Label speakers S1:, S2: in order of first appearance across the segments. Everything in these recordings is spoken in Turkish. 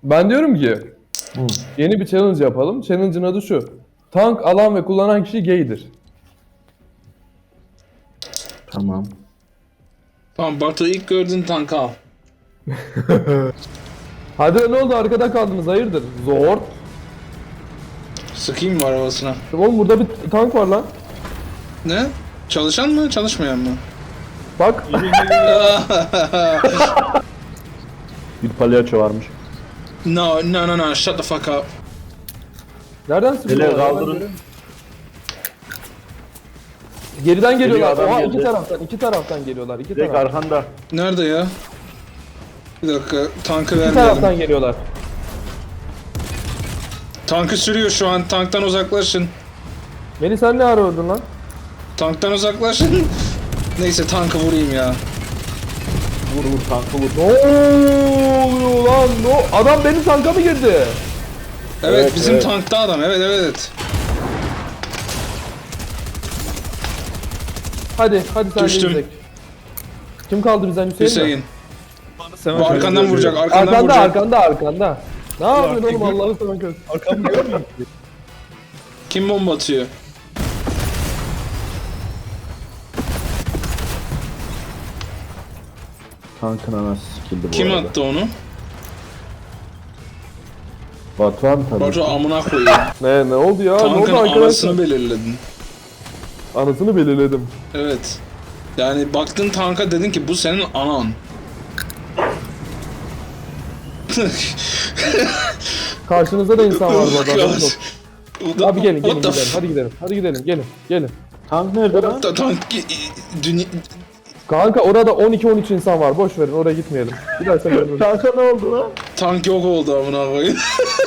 S1: Ben diyorum ki
S2: Hı.
S1: yeni bir challenge yapalım. Challenge'ın adı şu. Tank alan ve kullanan kişi gaydir.
S2: Tamam.
S3: Tamam Batu ilk gördüğün tankı al.
S1: Hadi ne oldu arkada kaldınız hayırdır? Zor.
S3: Sıkayım mı arabasına?
S1: Oğlum burada bir tank var lan.
S3: Ne? Çalışan mı çalışmayan mı?
S1: Bak.
S2: Bir palyaço varmış.
S3: No, shut the fuck up.
S1: Nereden sıkıyorlar?
S2: Hele kaldırın.
S1: Geriden
S2: Geliyor
S1: geliyorlar.
S2: adam
S1: Oha
S2: geldi.
S1: iki taraftan geliyorlar. İki
S2: Direkt
S1: taraftan.
S2: arkanda.
S3: Nerede ya? Bir dakika tankı
S1: İki
S3: vermeyelim.
S1: taraftan geliyorlar.
S3: Tankı sürüyor şu an, tanktan uzaklaşın.
S1: Beni sen ne ara öldün lan?
S3: Tanktan uzaklaşın. Neyse tankı vurayım ya.
S2: Vur vur tankı vur.
S1: Ne oluyor lan? Adam benim tanka mı girdi?
S3: Evet,
S2: Evet,
S3: bizim
S2: evet.
S3: tankta adam, evet.
S1: Hadi sen
S3: Düştüm.
S1: de Kim kaldı bizden Hüseyin, mi?
S3: Hüseyin. Bu arkandan vuracak, arkandan vuracak.
S1: Arkanda. Ne yapıyorsun oğlum Allah'ını seven kız?
S4: Arkamı görmüyor musun?
S3: Kim bomba atıyor?
S2: Tankın anası sikildi bu
S3: Kim
S2: arada.
S3: attı onu?
S2: Batuhan tabii.
S3: Batu amına koyayım.
S1: Ne oldu ya? Ne
S3: Tankın
S1: oldu arkadaşlar?
S3: anasını belirledin.
S1: Anasını belirledim.
S3: Evet. Yani baktın tanka dedin ki bu senin anan.
S1: Karşınızda da insan var bu arada.
S3: What the-
S1: Abi gelin
S3: what the
S1: gidelim. Hadi gidelim. Hadi gidelim. Gelin.
S2: Tank nerede lan?
S3: Tank dünya...
S1: Kanka orada 12-13 insan var. Boş verin oraya gitmeyelim. Bir daha sen görürüz.
S2: Tanka ne oldu lan?
S3: Tank yok oldu amına koyayım.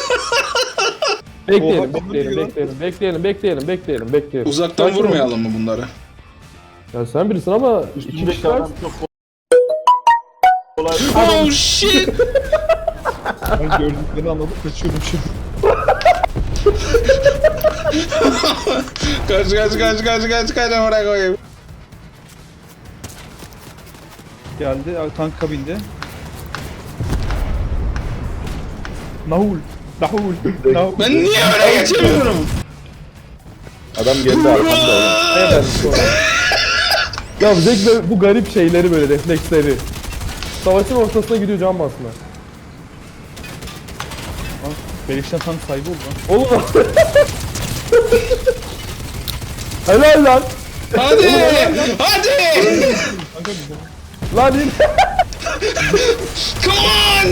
S1: Bekleyelim.
S3: Uzaktan
S1: Sakin ol.
S3: vurmayalım mı bunları?
S1: Ya sen birisin ama iki
S2: Üstündeki
S1: kişi var.
S2: adam çok kolay.
S3: Oh shit!
S4: Ben gördüklerini anladım kaçıyorum şimdi.
S3: Kaç amına koyayım.
S4: Geldi tank kabinde. Nahul.
S3: Ben niye öyle geçemiyorum?
S2: Adam geldi arkamda oğlum.
S1: Evet. Ya Zek de bu garip şeyleri böyle refleksleri. Savaşın ortasına gidiyor can basma.
S4: Beleşten tank sahibi oldu lan.
S1: Oğlum. Helal lan.
S3: Hadi!
S4: Kanka bir de.
S1: Lan in.
S3: Come on!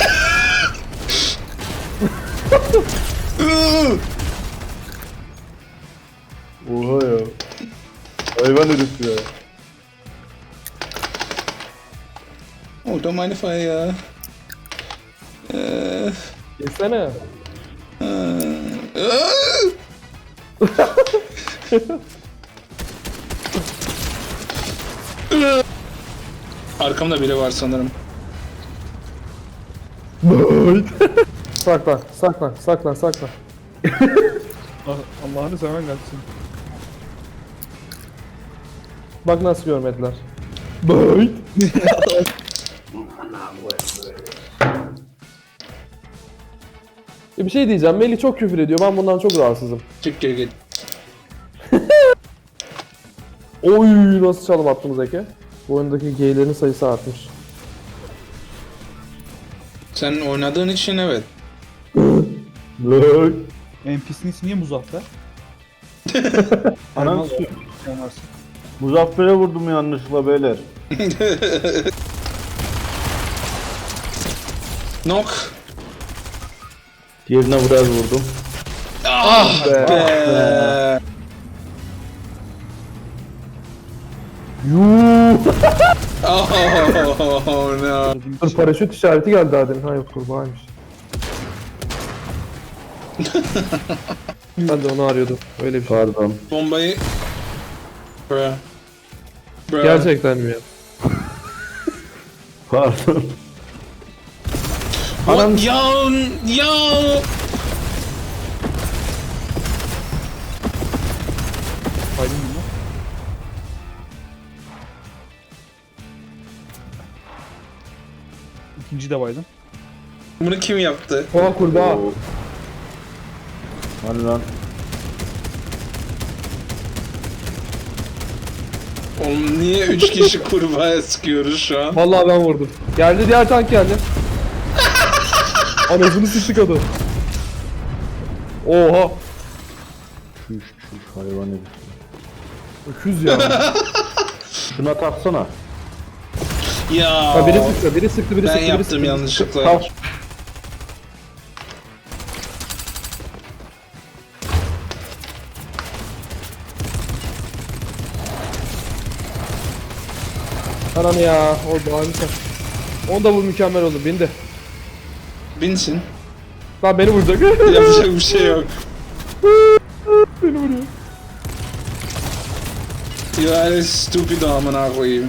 S2: Oha ya. Hayvan herif ya.
S3: Oh, don't mind if I
S1: Geçsene.
S3: Arkamda biri var sanırım.
S1: Saklan.
S4: Allah'ını seven gelsin.
S1: Bak nasıl görmediler. Bir şey diyeceğim. Melih çok küfür ediyor. Ben bundan çok rahatsızım.
S3: Çık geri git.
S1: Oy nasıl çalım attım Zeki. Bu oyundaki geylerin sayısı artmış.
S3: Sen oynadığın için evet.
S2: Lay.
S4: NPC'nin ismi niye Muzaffer?
S2: Anan
S4: Olmaz. Olmaz.
S2: Muzaffer'e vurdum yanlışlıkla beyler.
S3: Nok.
S2: Diğerine biraz vurdum.
S3: Ah be. Oh no.
S1: Dur paraşüt işareti geldi daha demin. Ha yok kurbağaymış. Ben de onu arıyordum. Öyle bir şey.
S2: Pardon.
S3: Bombayı... Bruh.
S1: Gerçekten mi ya?
S2: Pardon.
S3: What? Yo!
S4: Saydın mı? İkinci de baydım.
S3: Bunu kim yaptı?
S1: Oha kurbağa.
S2: Oo. Hani lan.
S3: Oğlum niye 3 kişi kurbağaya sıkıyoruz şu an?
S1: Vallahi ben vurdum. Geldi diğer tank geldi. Anasını sıktık adam. Oha.
S2: Çüş hayvan herif.
S1: Öküz ya.
S2: Şuna taksana.
S3: Ya
S1: Ha, biri sıktı, biri sıktı, biri
S3: ben
S1: sıktı, biri
S3: yaptım
S1: sıktı.
S3: yanlışlıkla.
S2: Tak.
S1: Ananı ya. O harika. Onu da bu mükemmel oldu. Bindi.
S3: Binsin.
S1: Lan beni vuracak.
S3: Yapacak bir şey yok.
S1: Beni vuruyor.
S3: Yani stupid amına koyayım.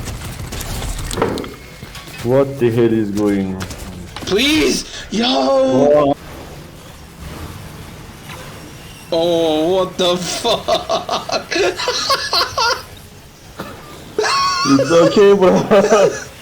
S2: What the hell is going on?
S3: Please! Yo! Oh, what the fuck?
S2: It's okay bro.